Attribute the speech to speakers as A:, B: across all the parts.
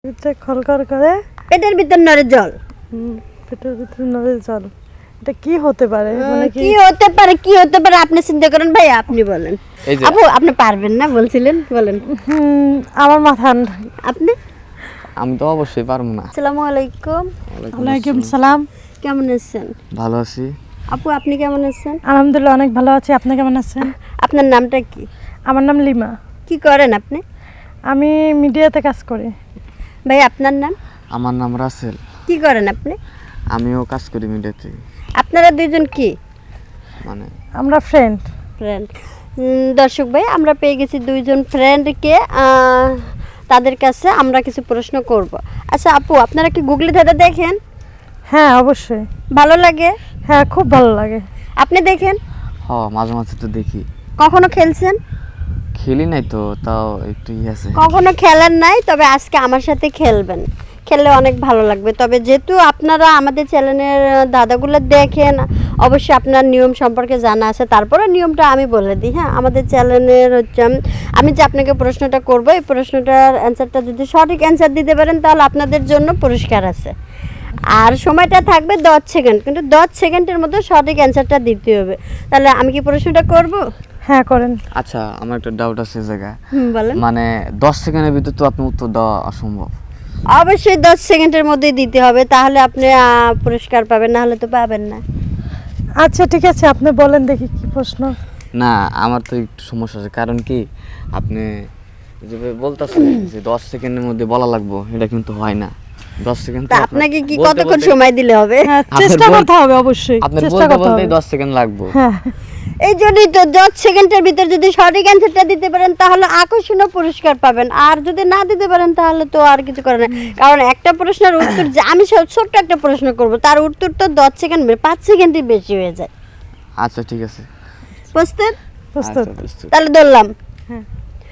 A: এটা খলকর করে
B: পেটের ভিতর নড়ে জল।
A: পেটের ভিতরে নড়ে জল, এটা কি হতে পারে? মানে
B: কি হতে পারে, কি হতে পারে আপনি চিন্তা করেন ভাই, আপনি বলেন। আপু আপনি পারবেন না বলছিলেন, বলেন।
A: আমার মাথা
B: আপনি?
C: আমি তো অবশ্যই পারবো না।
B: আসসালামু আলাইকুম।
A: ওয়ালাইকুম সালাম।
B: কেমন আছেন?
C: ভালো আছি।
B: আপু আপনি কেমন আছেন?
A: আলহামদুলিল্লাহ অনেক ভালো আছি। আপনি কেমন আছেন?
B: আপনার নামটা কি?
A: আমার নাম লিমা।
B: কি করেন আপনি?
A: আমি মিডিয়াতে কাজ করি।
B: ভাই আপনার নাম?
C: আমার নাম রাসেল।
B: কি করেন আপনি?
C: আমিও কাজ করি মিডিয়াতে।
B: আপনারা দুইজন কি
C: মানে
A: আমরা ফ্রেন্ড।
B: ফ্রেন্ড? দর্শক ভাই, আমরা পেয়ে গেছি দুইজন ফ্রেন্ডকে। তাদের কাছে আমরা কিছু প্রশ্ন করব। আচ্ছা আপু, আপনারা কি গুগলি দাদা দেখেন?
A: হ্যাঁ অবশ্যই।
B: ভালো লাগে?
A: হ্যাঁ খুব ভালো লাগে।
B: আপনি দেখেন?
C: মাঝে মাঝে তো দেখি।
B: কখনো খেলছেন?
C: খেলি নাই তো, তাও একটু আছে।
B: কখনো খেলেন নাই, তবে আজকে আমার সাথে খেলবেন। খেললে অনেক ভালো লাগবে। তবে যেহেতু আপনারা আমাদের চ্যানেলের দাদাগুলো দেখেন, অবশ্যই আপনার নিয়ম সম্পর্কে জানা আছে। তারপরে নিয়মটা আমি বলে দিই। হ্যাঁ, আমাদের চ্যানেলের হচ্ছে আমি যে আপনাকে প্রশ্নটা করব, এই প্রশ্নটার অ্যান্সারটা যদি সঠিক অ্যান্সার দিতে পারেন তাহলে আপনাদের জন্য পুরস্কার আছে। আর সময়টা থাকবে 10 সেকেন্ড, কিন্তু 10 সেকেন্ডের মধ্যে সঠিক অ্যান্সারটা দিতে হবে। তাহলে আমি কি প্রশ্নটা করব?
A: হ্যাঁ করেন।
C: আচ্ছা, আমার একটা ডাউট আছে জায়গা।
B: বলেন।
C: মানে 10 সেকেন্ডের ভিতর তো আপনি উত্তর দেওয়া অসম্ভব।
B: অবশ্যই 10 সেকেন্ডের মধ্যেই দিতে হবে, তাহলে আপনি পুরস্কার পাবেন, না হলে তো পাবেন না।
A: আচ্ছা ঠিক আছে, আপনি বলেন দেখি কি প্রশ্ন।
C: না, আমার তো একটু সমস্যা আছে। কারণ কি, আপনি যেভাবে বলতেছেন যে 10 সেকেন্ডের মধ্যে বলা লাগবে, এটা কিন্তু হয় না। 10 সেকেন্ড
B: তা আপনাকে কি কতক্ষণ সময় দিলে হবে?
A: হ্যাঁ চেষ্টা করতে হবে অবশ্যই।
C: আপনার
A: চেষ্টা
C: বলতে
A: করতে
C: বলতে
A: হবে।
C: 10 সেকেন্ড লাগবে।
A: হ্যাঁ
B: এই জন্যই তো 10 সেকেন্ডের ভিতর যদি সঠিক অ্যান্সারটা দিতে পারেন তাহলে আকর্ষণীয় পুরস্কার পাবেন। আর যদি না দিতে পারেন তাহলে তো আর কিছু করার নেই। কারণ একটা প্রশ্নের উত্তর যে আমি ছোট্ট একটা প্রশ্ন করব, তার উত্তর তো 10 সেকেন্ড 5 সেকেন্ডই বেশি হয়ে যায়।
C: আচ্ছা ঠিক আছে।
B: বুঝতেন?
A: প্রস্তুত।
C: আচ্ছা, বুঝতে।
B: তাহলে ধরলাম।
A: হ্যাঁ।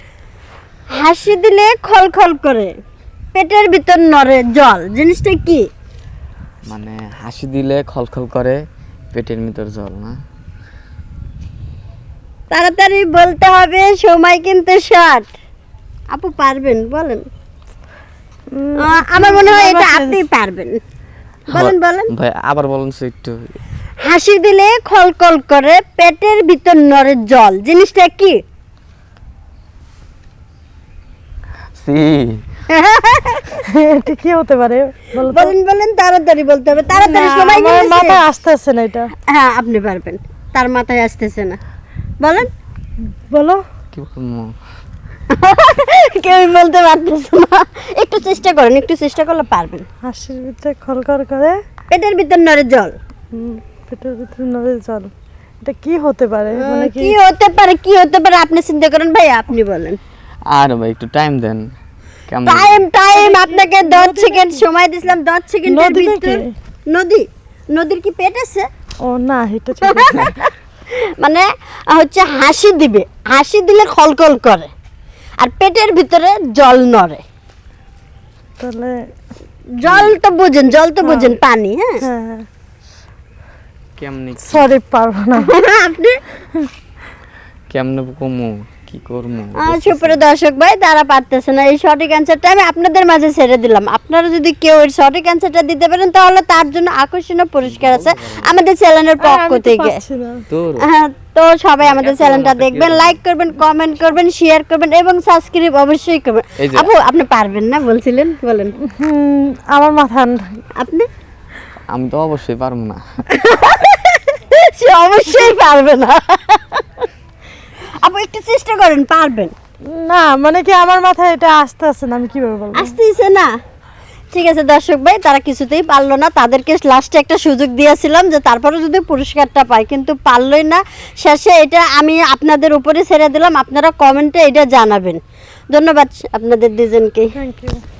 B: হাসি দিলে খলখল করে, পেটের ভিতর নড়ে জল, জিনিসটা কি?
C: মানে হাসি দিলে খলখল করে, পেটের ভিতর জল না?
B: তাড়াতাড়ি বলতে হবে, সময় কিন্তু শর্ট। আপু পারবেন, বলেন। আমার মনে হয় এটা আপনি পারবেন। বলেন বলেন।
C: ভাই আবার বলুন তো একটু।
B: হাসি দিলে খলখল করে, পেটের ভিতর নড়ে জল, জিনিসটা কি?
C: সি
A: এটা কি হতে পারে বলো তো?
B: বলেন বলেন, তাড়াতাড়ি বলতে হবে, তাড়াতাড়ি, সময়
A: আমার
B: কিন্তু শেষ।
A: মাথায় আসতেছে না এটা।
B: হ্যাঁ আপনি পারবেন, তার মাথায় আসতেছে না। বলেন।
A: বলো।
C: কি বলবো?
B: কেউ বলতে পারতেছে না। একটু চেষ্টা করেন, একটু চেষ্টা করলে পারবেন।
A: হাসির ভিতরে খলকর করে,
B: পেটের ভিতর নড়ে জল।
A: পেটের ভিতরে নড়ে জল, এটা কি হতে পারে? মানে
B: কি হতে পারে, কি হতে পারে আপনি চিন্তা করেন ভাই, আপনি বলেন।
C: আর ভাই একটু টাইম দেন। কেমন?
B: টাইম আপনাকে 10 সেকেন্ড সময় দিছিলাম। 10 সেকেন্ডের
A: নদী
B: ভিতর।
A: নাকি?
B: নদী? নদীর কি পেট আছে?
A: ও না, এটা ঠিক আছে।
B: মানে হচ্ছে হাসি দিবে, হাসি দিলে খলখল করে, আর পেটের ভিতরে জল নড়ে।
A: তাহলে
B: জল তো বুঝেন, জল তো বুঝেন, পানি। হ্যাঁ
A: হ্যাঁ হ্যাঁ,
C: কেমনে
A: সরি পারবো না।
B: আপনি
C: কেমনে কমু, কি করমু?
B: সুপ্রিয় দর্শক ভাই, তারা পারতেছে না। এই সঠিক অ্যান্সারটা আমি আপনাদের মাঝে ছেড়ে দিলাম। আপনারা যদি কেউ এর সঠিক অ্যান্সারটা দিতে পারেন তাহলে তার জন্য আকর্ষণীয় পুরস্কার আছে আমাদের চ্যানেলের পক্ষ
A: আমি তো
B: থেকে।
A: পারছি না।
C: তোর
B: তো সবাই আমাদের চ্যানেলটা দেখবেন, লাইক করবেন, কমেন্ট করবেন, শেয়ার করবেন এবং সাবস্ক্রাইব অবশ্যই করবেন।
C: এই যে-
B: আপু আপনি পারবেন না বলছিলেন, বলেন।
A: আমার মাথা
B: আপনি?
C: আমি তো অবশ্যই পারবো না।
B: সে অবশ্যই পারবে না। আপু একটু চেষ্টা করেন, পারবেন।
A: না, মানে কি আমার মাথায় এটা আসতেছে না, আমি কিভাবে বলবো?
B: আসতেইছে না? ঠিক আছে দর্শক ভাই, তারা কিছুতেই পারলো না। তাদেরকে লাস্টে একটা সুযোগ দিয়েছিলাম যে তারপরে যদি পুরস্কারটা পায়, কিন্তু পারলই না। শেষে এটা আমি আপনাদের উপরে ছেড়ে দিলাম, আপনারা কমেন্টে এটা জানাবেন। ধন্যবাদ আপনাদের দুজনকে।
A: Thank you.